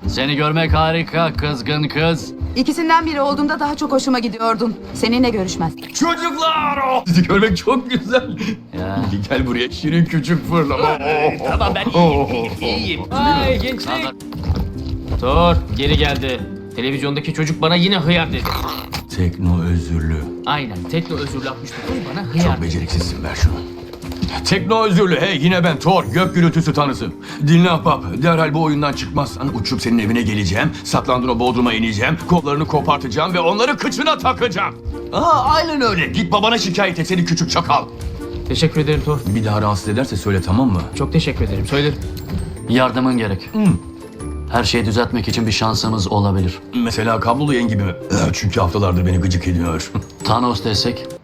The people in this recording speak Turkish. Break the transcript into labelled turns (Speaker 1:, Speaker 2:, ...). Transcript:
Speaker 1: Seni görmek harika kızgın kız.
Speaker 2: İkisinden biri olduğunda daha çok hoşuma gidiyordun. Seninle görüşmez.
Speaker 3: Çocuklar! Sizi görmek çok güzel.
Speaker 1: Ya.
Speaker 3: Gel buraya şirin küçük fırlama.
Speaker 4: Tamam ben iyiyim. Ay gençlik. Thor geri geldi. Televizyondaki çocuk bana yine hıyar dedi.
Speaker 3: Tekno özürlü.
Speaker 4: Aynen Tekno özürlü 69 bana hıyar
Speaker 3: Çok
Speaker 4: dedi.
Speaker 3: beceriksizsin, ver şunu. Tekno özürlü, hey yine ben Thor, gök gürültüsü tanrısı. Dinle ahbap, derhal bu oyundan çıkmazsan uçup senin evine geleceğim, saklandığın o bodruma ineceğim, kollarını kopartacağım ve onları kıçına takacağım. Aynen öyle, git babana şikayet et seni küçük çakal.
Speaker 4: Teşekkür ederim Thor.
Speaker 3: Bir daha rahatsız ederse söyle, tamam mı?
Speaker 4: Çok teşekkür ederim. Söylerim.
Speaker 1: Yardımın gerek. Her şeyi düzeltmek için bir şansımız olabilir.
Speaker 3: Mesela kablolu yayın gibi mi? Çünkü haftalardır beni gıcık ediyor.
Speaker 1: Thanos desek